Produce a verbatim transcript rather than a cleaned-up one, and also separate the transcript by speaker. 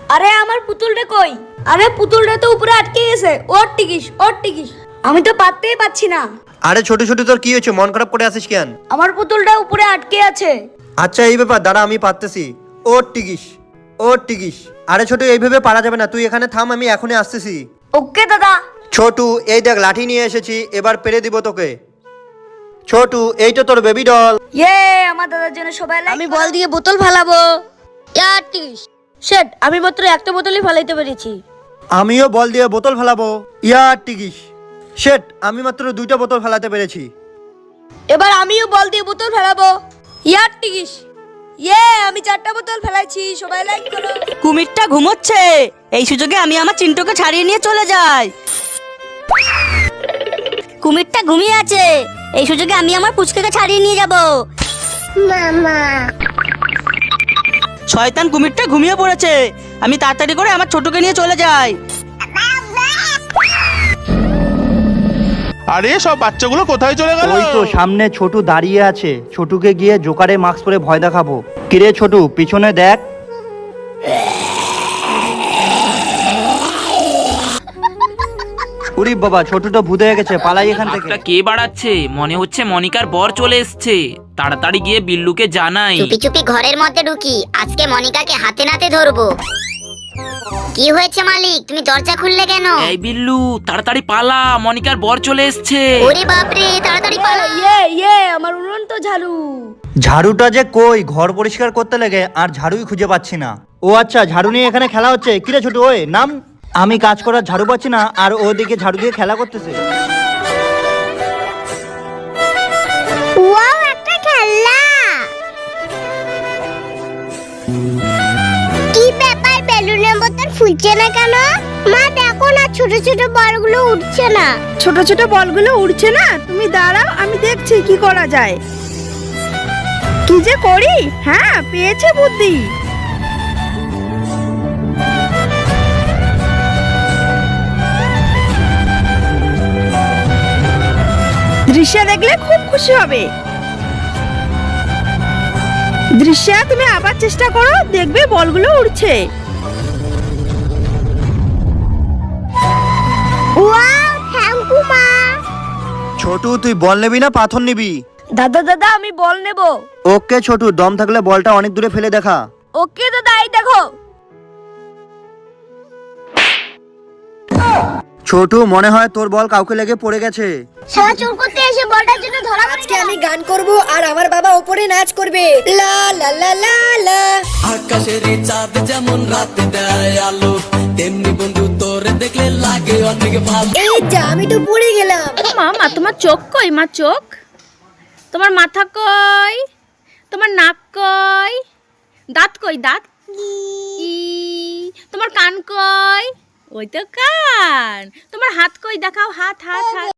Speaker 1: আরে আমার পুতুলটা কই? আরে পুতুলটা তো উপরে আটকে গেছে। ওর টিকিস ওর টিকিস আমি তো পাততেই পাচ্ছি না।
Speaker 2: আরে ছোট ছোট তোর কি হয়েছে, মন খারাপ করে আসিস কেন?
Speaker 1: আমার পুতুলটা উপরে আটকে আছে।
Speaker 2: আচ্ছা এই ব্যাপার, দাঁড়া আমি পারতেছি। ওর টিকিস ওর টিকিস আরে ছোট এইভাবে পারা যাবে না, তুই এখানে থাম, আমি এখনই আসতেছি।
Speaker 1: ওকে দাদা।
Speaker 2: ছোটু এই দেখ লাঠি নিয়ে এসেছি, এবার পেরে দিব তোকে। ছোটু এই তো তোর বেবি ডল।
Speaker 1: ইয়ে আমার দাদার জন্য সবাই লাইক
Speaker 3: আমি বল দিয়ে বোতল ফেলাবো। ইয়ারটিস শেট, আমি মাত্র একটা বোতলই ফেলাইতে পেরেছি।
Speaker 2: আমিও বল দিয়ে বোতল ফেলাবো। ইয়ার টিকিস শেট, আমি মাত্র দুইটা বোতল ফেলাতে পেরেছি।
Speaker 1: এবার আমিও বল দিয়ে বোতল ফেলাবো। ইয়ার টিকিস ইয়ে আমি চারটা বোতল ফেলাইছি, সবাই লাইক করো।
Speaker 3: কুমিরটা ঘুমোচ্ছে, এই সুযোগে আমি আমার চিন্টুকে ছাড়িয়ে নিয়ে চলে যাই। কুমিরটা ঘুমিয়ে আছে, এই সুযোগে আমি আমার পুচকেকে ছাড়িয়ে নিয়ে যাব। মামা শয়তান কুমিরটা ঘুমিয়ে পড়েছে, আমি তাড়াতাড়ি করে আমার ছোটকে নিয়ে চলে যাই।
Speaker 4: আরে সব বাচ্চাগুলো কোথায় চলে গেল?
Speaker 2: ওই তো সামনে ছোটু দাঁড়িয়ে আছে, ছোটুকে গিয়ে জোকারে মাস্ক পরে ভয় দেখাবো। কিরে ছোটু পিছনে দেখ। উরি বাবা, ছোটুটা ভূত হয়ে গেছে, পালাই এখান থেকে।
Speaker 5: একটা কে বাড়াচ্ছে? মনে হচ্ছে মনিকার বর চলে এসছে। তাড়াতাড়ি গিয়ে বিল্লুকে জানাই।
Speaker 6: চুপি চুপি ঘরের মধ্যে ঢুকি, আজকে মনিকাকে হাতে নাতে ধরবো। কি হয়েছে মালিক, তুমি দরজা খুললে কেন?
Speaker 5: এই বিল্লু তাড়াতাড়ি পালা, মনিকার বর চলে এসছে।
Speaker 6: ওরে বাপরে, তাড়াতাড়ি পালা।
Speaker 1: ইয়ে ইয়ে আমার উড়ন্ত ঝাড়ু।
Speaker 2: ঝাড়ুটা যে কই, ঘর পরিষ্কার করতে লেগে আর ঝাড়ুই খুঁজে পাচ্ছি না। ও আচ্ছা, ঝাড়ু নিয়ে এখানে খেলা হচ্ছে। কিরে ছোটু ওই নাম, আমি কাজ করার ঝাড়ু পাচ্ছি না আর ওদিকে ঝাড়ু দিয়ে খেলা করতেছে।
Speaker 6: ওয়াও, একটা খেলনা। কি ব্যাপার, বেলুনের মতন ফুলছে না কেন? মা দেখো না, ছোট ছোট বলগুলো উঠছে না।
Speaker 7: ছোট ছোট বলগুলো উড়ছে না? তুমি দাঁড়াও, আমি দেখছি কি করা যায়। কি যে করি, হ্যাঁ পেয়েছে বুদ্ধি। দৃশ্য দেখলে খুব খুশি হবে। দৃশ্য তুমি আবার চেষ্টা করো, দেখবে বলগুলো উড়ছে।
Speaker 6: ওয়াও, থ্যাংক ইউ মা।
Speaker 2: ছোটু তুই বল নেবি না পাথর নিবি?
Speaker 1: দাদা দাদা আমি বল নেব।
Speaker 2: ওকে ছোটু, দম থাকলে বলটা অনেক দূরে ফেলে দেখা।
Speaker 1: ওকে দাদা, এই দেখো।
Speaker 2: ছোটু মনে হয় তোর বল কাউকে লেগে পড়ে গেছে।
Speaker 6: সারা চোর করতে এসে বলটার জন্য ধরা পড়ে
Speaker 3: আজকে আমি গান করব আর আমার বাবা উপরে নাচ করবে। লা লা লা লা লা।
Speaker 8: আকাশের চাঁদ যেমন রাতে দেয় আলো, তেমনি বন্ধু তোর দেখলে লাগে অনেক ভালো।
Speaker 3: এই যা, আমি তো পড়ে গেলাম।
Speaker 7: মা মা তোমার চোখ কই? মা চোখ, তোমার মাথা কই? তোমার নাক কই? দাঁত কই? দাঁত ই, তোমার কান কই? ওই তো কান। তোমার হাত কই? দেখাও হাত হাত হাত।